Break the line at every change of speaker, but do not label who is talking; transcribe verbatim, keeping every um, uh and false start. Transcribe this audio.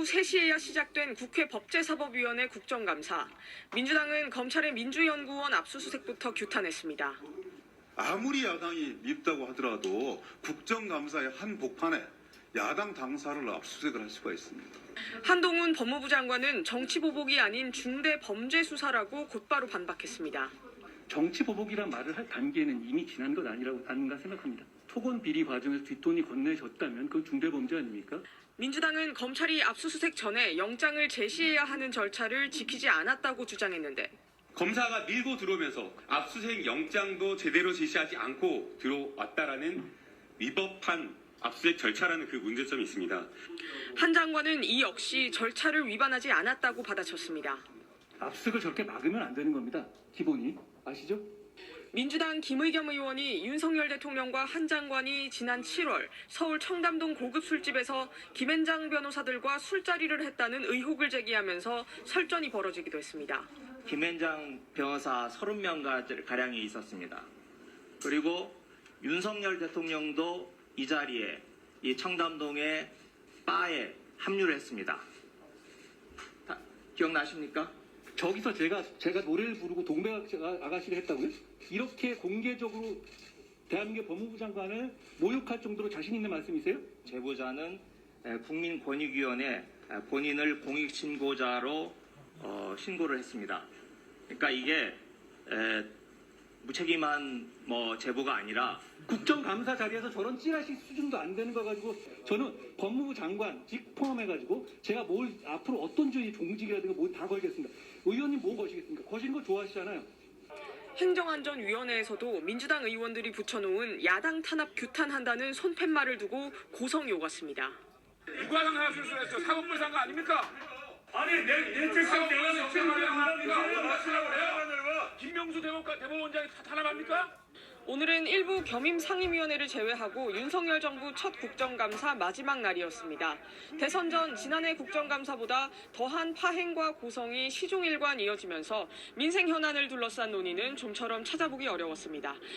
오후 세 시에야 시작된 국회 법제사법위원회 국정감사. 민주당은 검찰의 민주연구원 압수수색부터 규탄했습니다.
아무리 야당이 밉다고 하더라도 국정감사의 한 복판에 야당 당사를 압수수색을 할 수가 있습니다.
한동훈 법무부 장관은 정치보복이 아닌 중대범죄수사라고 곧바로 반박했습니다.
정치보복이란 말을 할 단계는 이미 지난 것 아니라고 아닌가 생각합니다. 토건 비리 과정에서 뒷돈이 건네졌다면 그건 중대범죄 아닙니까?
민주당은 검찰이 압수수색 전에 영장을 제시해야 하는 절차를 지키지 않았다고 주장했는데
검사가 밀고 들어오면서 압수수색 영장도 제대로 제시하지 않고 들어왔다라는 위법한 압수수색 절차라는 그 문제점이 있습니다.
한 장관은 이 역시 절차를 위반하지 않았다고 받아쳤습니다.
압수수색을 저렇게 막으면 안 되는 겁니다. 기본이. 아시죠?
민주당 김의겸 의원이 윤석열 대통령과 한 장관이 지난 칠월 서울 청담동 고급 술집에서 김앤장 변호사들과 술자리를 했다는 의혹을 제기하면서 설전이 벌어지기도 했습니다.
김앤장 변호사 서른 명 가량이 있었습니다. 그리고 윤석열 대통령도 이 자리에 이 청담동의 바에 합류를 했습니다. 다 기억나십니까?
저기서 제가 제가 노래를 부르고 동백 아가씨를 했다고요? 이렇게 공개적으로 대한민국 법무부 장관을 모욕할 정도로 자신 있는 말씀이세요?
제보자는 국민권익위원회 본인을 공익신고자로 어, 신고를 했습니다. 그러니까 이게 에, 무책임한 뭐 제보가 아니라
국정감사 자리에서 저런 찌라시 수준도 안 되는 거 가지고 저는 법무부 장관 직 포함해가지고 제가 뭘 앞으로 어떤 주의 종직이라든가 뭘 다 걸겠습니다. 의원님 뭐 거시겠습니까? 거시는 거 좋아하시잖아요.
행정안전위원회에서도 민주당 의원들이 붙여놓은 야당 탄압 규탄한다는 손팻말을 두고 고성이 오갔습니다.
무과장 하나 실수했죠. 사법부 상거 아닙니까?
아니 내 내 책상 내가
내 김명수 대법관 대법원장이 탄압합니까?
오늘은 일부 겸임 상임위원회를 제외하고 윤석열 정부 첫 국정감사 마지막 날이었습니다. 대선 전 지난해 국정감사보다 더한 파행과 고성이 시종일관 이어지면서 민생 현안을 둘러싼 논의는 좀처럼 찾아보기 어려웠습니다.